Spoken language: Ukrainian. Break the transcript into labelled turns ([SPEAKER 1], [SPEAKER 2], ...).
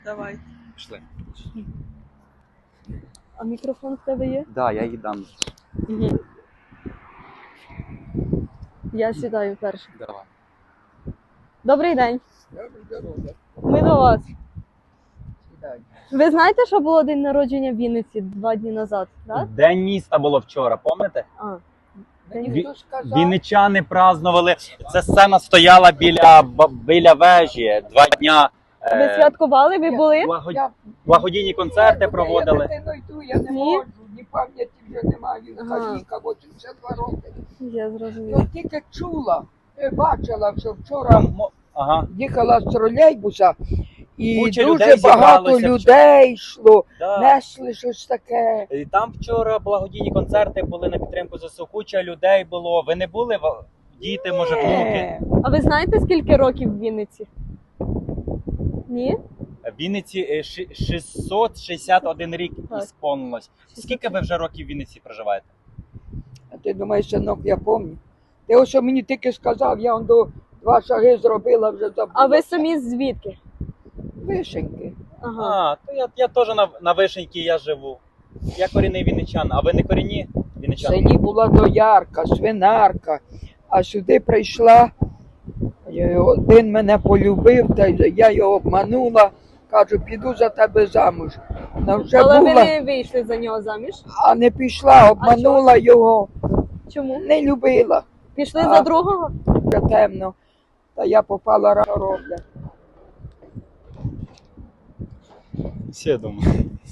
[SPEAKER 1] Давай.
[SPEAKER 2] Пішли.
[SPEAKER 1] А мікрофон в тебе є?
[SPEAKER 2] Да, я їй дам.
[SPEAKER 1] Угу. Я сідаю перше.
[SPEAKER 2] Давай.
[SPEAKER 1] Добрий день. Ми до вас. Ви знаєте, що було день народження в Вінниці 2 дні назад, так?
[SPEAKER 2] День міста було вчора, пам'ятаєте?
[SPEAKER 1] А.
[SPEAKER 2] Вінничани празднували. Ця сцена стояла біля вежі 2 дня.
[SPEAKER 1] Ви святкували? Ви були?
[SPEAKER 2] Благодійні концерти проводили.
[SPEAKER 3] Я йду, я не
[SPEAKER 1] Ні?
[SPEAKER 3] можу, ні пам'яті вже немає, він
[SPEAKER 1] Ага.
[SPEAKER 3] каліка, 82 роки.
[SPEAKER 1] Я зрозуміла.
[SPEAKER 3] Ну тільки чула, бачила, що вчора
[SPEAKER 2] Ага.
[SPEAKER 3] їхала з тролейбуса, і
[SPEAKER 2] Куча
[SPEAKER 3] дуже
[SPEAKER 2] людей
[SPEAKER 3] багато
[SPEAKER 2] зібралося
[SPEAKER 3] людей йшло,
[SPEAKER 2] Да.
[SPEAKER 3] несли щось таке.
[SPEAKER 2] І там вчора благодійні концерти були на підтримку ЗСУ. Куча людей було. Ви не були? Діти, може, внуки?
[SPEAKER 1] А ви знаєте, скільки років в Вінниці? Ні?
[SPEAKER 2] В Вінниці 661 рік
[SPEAKER 1] Так.
[SPEAKER 2] ісполнилось. Скільки ви вже років в Вінниці проживаєте?
[SPEAKER 3] А ти думаєш, синок, я пам'ятаю. Ти ось що мені тільки сказав, я он до 2 шаги зробила, вже забула.
[SPEAKER 1] А ви самі звідки?
[SPEAKER 3] Вишеньки.
[SPEAKER 1] Ага.
[SPEAKER 2] А, то я теж на Вишеньки я живу. Я корінний вінничан, а ви не корінні
[SPEAKER 3] В
[SPEAKER 2] вінничан?
[SPEAKER 3] селі була доярка, свинарка, а сюди прийшла, один мене полюбив, та я його обманула, кажу, піду за тебе замуж. Вона вже
[SPEAKER 1] Але ви
[SPEAKER 3] була,
[SPEAKER 1] не вийшли за нього заміж?
[SPEAKER 3] а не пішла, обманула його,
[SPEAKER 1] Чому?
[SPEAKER 3] не любила,
[SPEAKER 1] Пішли
[SPEAKER 3] А.
[SPEAKER 1] за другого?
[SPEAKER 3] вже темно, та я попала рано роблять.
[SPEAKER 2] Все, думаю.